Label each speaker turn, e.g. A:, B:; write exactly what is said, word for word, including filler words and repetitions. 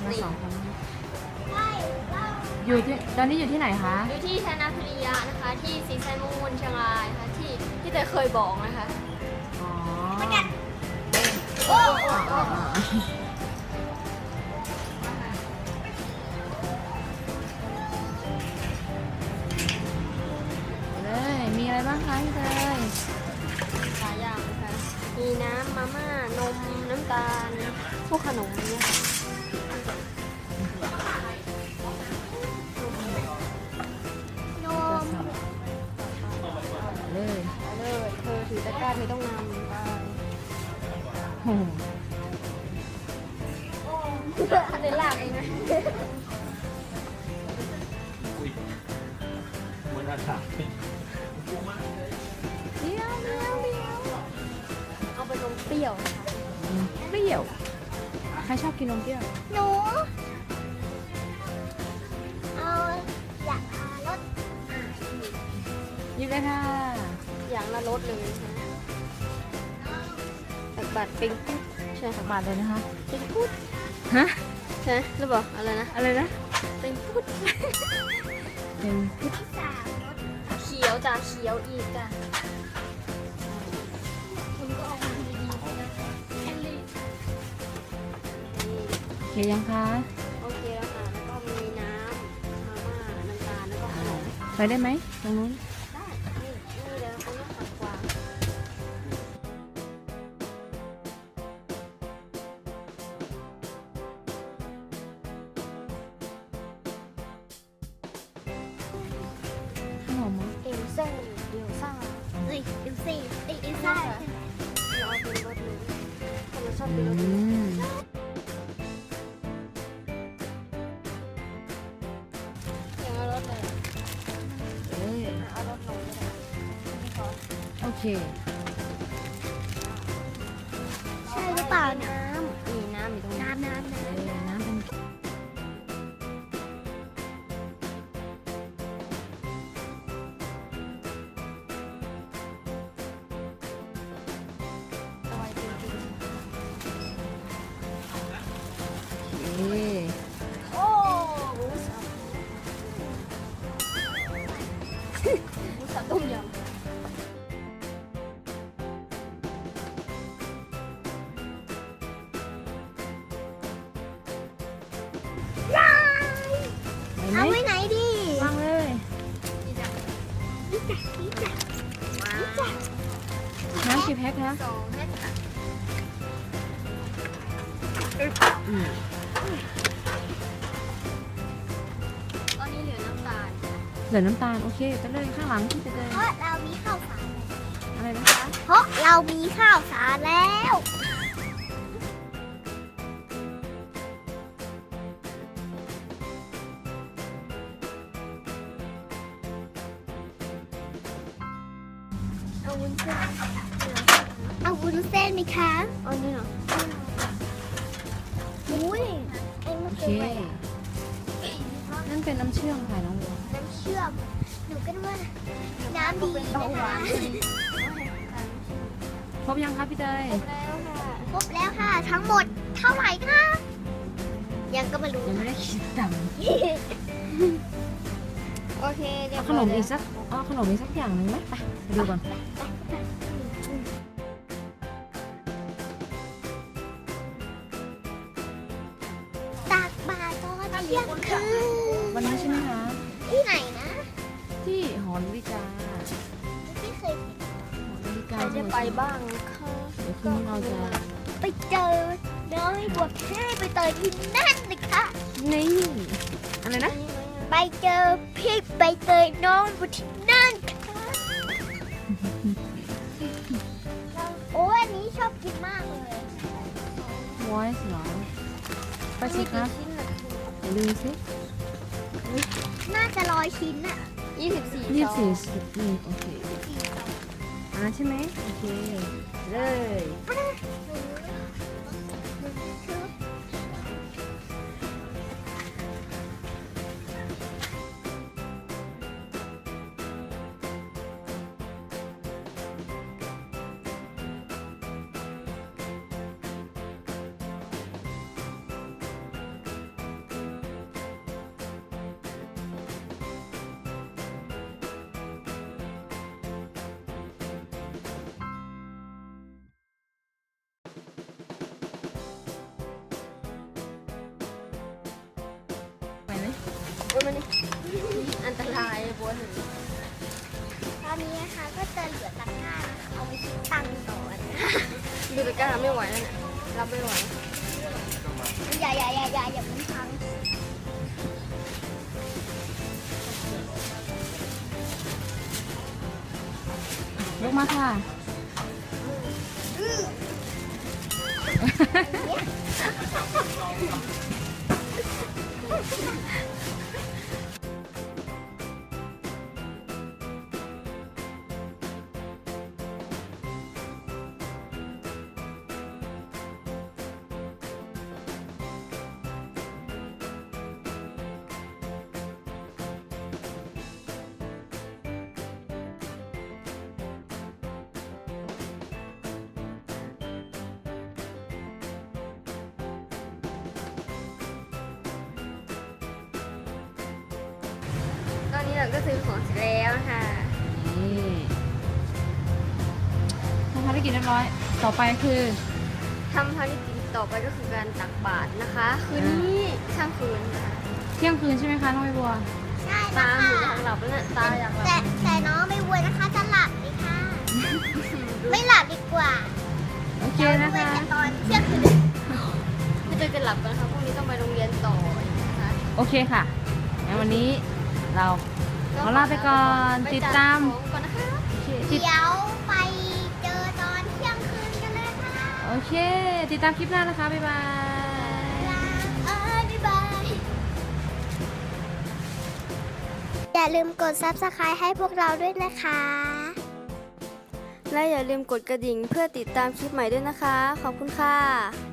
A: มาสองคนอยู่ที่ตอนนี้อยู่ที่ไหนคะ
B: อยู่ที่ธนาพิริยะนะคะที่สีไซมูนเชียงรายนะคะที่ที่เตยเคยบอกนะคะ
A: อ๋อ
B: โอ้
A: อ๋ออ๋ออ๋อเลยมีอะไรบ้างคะพี่เตย
B: หลายอย่างนะคะมีน้ำมาม่านมน้ำตาลพวกขนมเนี่ยค่ะนม
A: เลย
B: ไปเลยเธอถือตะกร้าเธอต้องนำไป
A: โอ้โห
B: อันนี้ลากเองนะ
C: เหมือนอาหาร
B: เดียวเดียวเดียวเอาไปนมเปรี้ยวนะคะ
A: เปรี้ยวใครชอบกินนมเปรี้ยว
B: หนูเอาอยากทารส
A: หยิบเลยค่ะ
B: อย่างละรสเลยนะตักบาทปิงปุ๊ดใช่
A: สั
B: ค่ะ
A: กบาทเลยนะคะ
B: ปิงปุ๊ด
A: ฮะ
B: ใช่หรือเปล่าอะไรนะ
A: อะไรนะ
B: ปิงปุ๊ด
A: เป็นพุทธ
B: เขียวจ้ะเขียวอีกจ้ะคุณก็เอามาดีๆนะแอนลี่
A: เขียวยังคะ
B: โอเคแล้วค่ะแล้วก็มีน้ำมาม่าน้ำตาลแล้วก็ขนม
A: ไปได้ไหมตรงนู้น
B: ได้นี่นี่เลยเขาเรียกผักกวาง
A: ขนมมั้ง
B: เอลซ่าเอลซ่า
D: เอ้ยเอลซี่เอ้ยเอลซ่า
B: เราเอาเป็นรสนี้ถ้าเราชอบ
A: อื
B: เป็นรสนี้
A: ม
B: อย่างละรสเลย
A: เอ้ย
B: เอารสนมก็ได้ไม่ขอ
A: โอเค
D: ใช่หรือเปล่าเนี่ย
B: น้ำมีน้ำอยู่ตรงนี้
D: น้ำน้ำน้
A: เอ้ยน้ำเป็น
B: ตอยจริง
A: เอ้ย
B: ๆโอ้หมูสับหมูสับต้มยำ
A: ไป
D: ำ
A: ไหม
D: เอาไว้ไหนดี
A: วางเลย
B: นี่จ้ะ
D: นี่จ้ะนี่จ้ะนี่จ้ะ
A: น้ำกี่แพ็คคะ
B: สองเม็ดค่ะ
A: อืม
B: ตอนนี้เหลือน้ำตาล
A: เหลือน้ำตาล โอเคไปเลยข้างหลังที่ไปเลย
D: เพราะเรามีข้าวสาร
A: อะไรนะคะ
D: เพราะเรามีข้าวสารแล้ว
B: เอาวุ้นเส้น
D: เอาวุ้นเส้นไหมคะ
B: เอานี่เหรอ
D: อุ้ยไอ้มัน
A: โอเค
D: เป็นอะไรอะ
A: นั่นเป็นน้ำเชื่อมค่ะน้องบัว
D: น้ำเชื่อมหนูก็นึกว่าน้ำดีนะคะ
A: ครบยังคะพี่เตย
B: แล้วค่ะ
D: ครบแล้วค่ะ ทั้งหมดเท่าไหร่คะยังก็ไม่รู้
A: ยังไม่ได้คิดตังค์
B: โอเคเรีย
A: เอา
B: บ
A: ข
B: ร้
A: น
B: อย
A: ม
B: แล้
A: อี
B: ว
A: กสักเอาขนมอีกสักอย่างหนึ่งไหมไปไปดูก่อน
D: ตากบาตรตอนเที่ยงคืน
A: วันนี้ใช่ไหมคะ
D: ที่ไหนนะ
A: ที่หอนาฬิกา
D: ไม่เคย
A: หอนาฬิ
B: ใค
A: การ
B: จะไปบ้างคะ
A: เดี๋ยวคืนนี้เราจะ
D: ไปเจอน้อยบวกเท่ไปเตยที่นั่นเลยค่ะ
A: นี่อะไรนะ
D: ไปเจอพี่ใบเตยน้องบวที่นั่นค่ะโอ้ยอันนี้ชอบกินมากเลย
A: voice เหรอไปสิคะ
B: ชิ้นละ
A: เดี๋ยวดูสิ
D: น่าจะร้อยชิ้นอะ
B: ยี่สิบสี่
A: ยี่สิบสี่
B: ซอง
A: สิบนี่โอเคอ่าใช่ไหมโอเค เลย
D: อ
B: อ้ยมันนี่อันตรายบัวหนึ่ง
D: ตอนนี้นะคะก็จะเหลือตะกร้านะคะเอาไปคิดตังค์ก่อนนะคะ
B: ดูตะกร้าไม่ไหวแล้วเนี่ยรับไม่ไหว
D: อย่าอย่าอย่าอย่าอย่ามันพัง
A: ยกมาค่ะ
B: ตอนนี้เราก็ซื้อของเสร็จแล้วนะคะ
A: นี่ทำภารกิจเรียบร้อย ต่อไปคือ
B: ทำภารกิจต่อไปก็คือการตักบาตรนะคะ คืนนี้ช่างคืนนะคะ
A: เที่ยงคืนใช่ไหมคะน้องใบบัว
D: ใช่
B: ตา
D: นะ
B: หนู
D: คะ
B: อยากหลับแล้วเนี่ยตาอยากหลับ
D: แต่แต่น้องไม่บวยนะคะจะหลับเลยค่ะ ไม่หลับดีกว่า
A: โอเคนะ
D: เดี๋ยว
A: คะ
D: เว้นแต่ตอนเที่ยงคืน
B: ไม่เจอกันหลับกันนะคะพรุ่งนี้ต้องไปโรงเรียนต่อนะคะ
A: โอเคค่ะงั้นวันนี้เรา ขอลาไปก่อน
B: ไป
A: ติด
B: จั
A: ตาม
B: ของก่อนนะคะ
A: ติด
D: เดี๋ยวไปเจอตอนเที่ยงคืนกันเลยค่ะ
A: โอเค ติดตามคลิปหน้านะคะ บ๊ายบาย
D: เอ้ยบ๊ายบาย อย่าลืมกด ซับสไครบ์ ให้พวกเราด้วยนะคะ
B: และอย่าลืมกดกระดิ่งเพื่อติดตามคลิปใหม่ด้วยนะคะ ขอบคุณค่ะ